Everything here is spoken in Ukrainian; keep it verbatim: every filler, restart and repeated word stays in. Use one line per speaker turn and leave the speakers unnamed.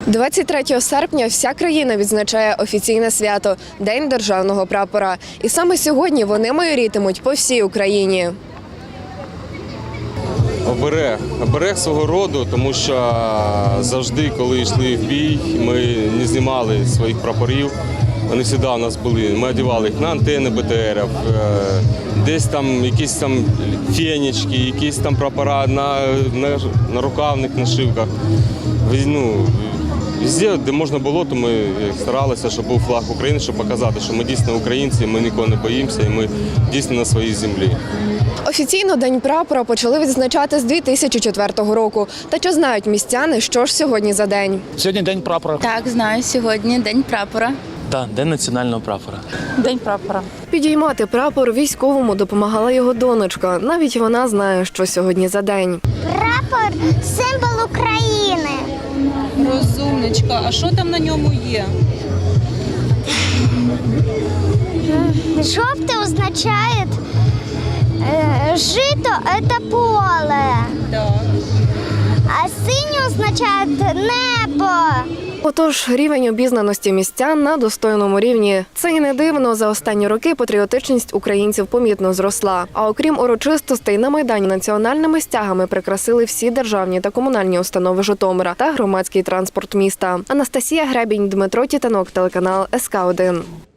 двадцять третього серпня вся країна відзначає офіційне свято – День державного прапора. І саме сьогодні вони майорітимуть по всій Україні.
Оберег. Оберег свого роду, тому що завжди, коли йшли в бій, ми не знімали своїх прапорів. Вони завжди у нас були. Ми одягали їх на антени Б Т Рів, десь там якісь там фенечки, якісь там прапора на, на, на рукавних нашивках. Ну, везде, де можна було, то ми старалися, щоб був флаг України, щоб показати, що ми дійсно українці, ми нікого не боїмося і ми дійсно на своїй землі.
Офіційно День прапора почали відзначати з дві тисячі четвертого року. Та чи знають містяни, що ж сьогодні за день?
Сьогодні День прапора.
Так, знаю, сьогодні День прапора.
Так, День національного прапора.
День прапора.
Підіймати прапор військовому допомагала його донечка. Навіть вона знає, що сьогодні за день.
Прапор – символ України.
Розумничка, а що там на ньому є?
Жовтий означає е, жито – це поле,
Так.
а синій означає небо.
Отож, рівень обізнаності містян на достойному рівні. Це і не дивно. За останні роки патріотичність українців помітно зросла. А окрім урочистостей, на Майдані національними стягами прикрасили всі державні та комунальні установи Житомира та громадський транспорт міста. Анастасія Гребінь, Дмитро Тітанок, телеканал С К один.